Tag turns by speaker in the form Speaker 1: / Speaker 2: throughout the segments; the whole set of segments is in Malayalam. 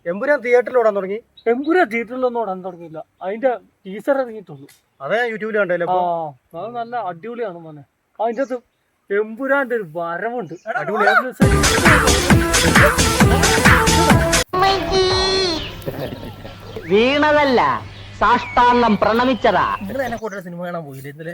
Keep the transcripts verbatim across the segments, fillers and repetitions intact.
Speaker 1: എമ്പുരാൻ തിയേറ്ററിൽ ഓടാൻ തുടങ്ങി.
Speaker 2: എമ്പുരാൻ തിയേറ്ററിലൊന്നും ഓടാൻ തുടങ്ങിയില്ല. അതിന്റെ ടീസർ ഇറങ്ങിയിട്ടുള്ളൂ.
Speaker 1: അതെ യൂട്യൂബിൽ കണ്ടല്ലേ.
Speaker 2: ആ അത് നല്ല അടിപൊളിയാണ് മോനെ. അതിന്റെ അകത്ത് എമ്പുരാന്റെ ഒരു വരവുണ്ട്.
Speaker 3: വീണതല്ല, സാഷ്ടാംഗം പ്രണമിച്ചതാ.
Speaker 1: നിങ്ങൾ എന്നെ കൂട്ട സിനിമ കാണാൻ പോയില്ലേ ഇന്നലെ?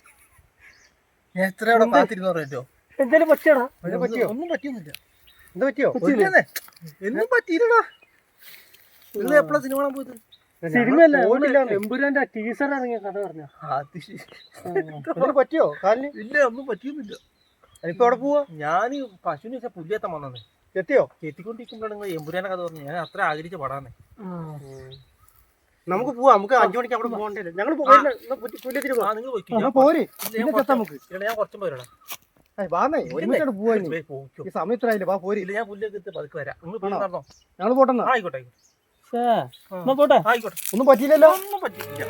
Speaker 1: എത്ര അവിടെ കാത്തിരുന്ന് പറഞ്ഞോ?
Speaker 2: എന്തായാലും പറ്റിയടാ.
Speaker 1: പറ്റിയോ? ഒന്നും പറ്റിയൊന്നുമില്ല. എന്താ പറ്റിയോ? ഒന്നും പറ്റിയില്ലടാ. നിങ്ങൾ എപ്പോഴാ സിനിമ കാണാൻ പോയത്?
Speaker 2: സിനിമയല്ല, എമ്പുരാന്റെ ടീസർ ഇറങ്ങിയ കഥ പറഞ്ഞ.
Speaker 1: പറ്റിയോ കാലിന്? ഇല്ല, ഒന്നും പറ്റിയൊന്നുമില്ല. ഇപ്പൊ എവിടെ പോവാ? ഞാൻ പശുവിന് വെച്ചാൽ പുല്ലേത്താൻ വന്നേ. എത്തിയോ? എത്തിക്കൊണ്ടിരിക്കുമ്പോഴാണ് നിങ്ങൾ എമ്പുരാനെ കഥ പറഞ്ഞു. ഞാൻ അത്ര ആഗ്രഹിച്ച പടാന്നേ. നമുക്ക് പോവാം. നമുക്ക് അഞ്ചു മണിക്ക് അവിടെ പോകണ്ടേ? ഞങ്ങൾ ഞാൻ കുറച്ചും പോരാ. സമയത്തിലായില്ലേ? വാ പോരി. ഞാൻ പുല്ലൊക്കെ പതുക്കെ വരാം. നിങ്ങൾ ഞങ്ങൾ പോട്ടെ. ആയിക്കോട്ടെ
Speaker 2: പോട്ടെ.
Speaker 1: ആയിക്കോട്ടെ. ഒന്നും പറ്റിയില്ലല്ലോ. ഒന്നും പറ്റിയില്ല.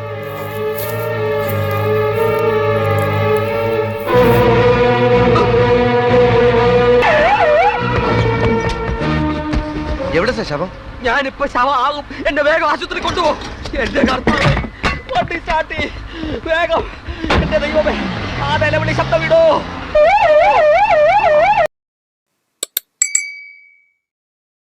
Speaker 4: എവിടെ ശവം?
Speaker 3: ഞാനിപ്പോ ശവമാകും. എന്നെ വേഗം ആശുപത്രി കൊണ്ടുപോ. എന്റെ കർത്താവേ, വണ്ടി സ്റ്റാർട്ട് ചെയ്യ് വേഗം. എന്റെ ദൈവമേ, ആ നിലവിളി ശബ്ദം വിടോ.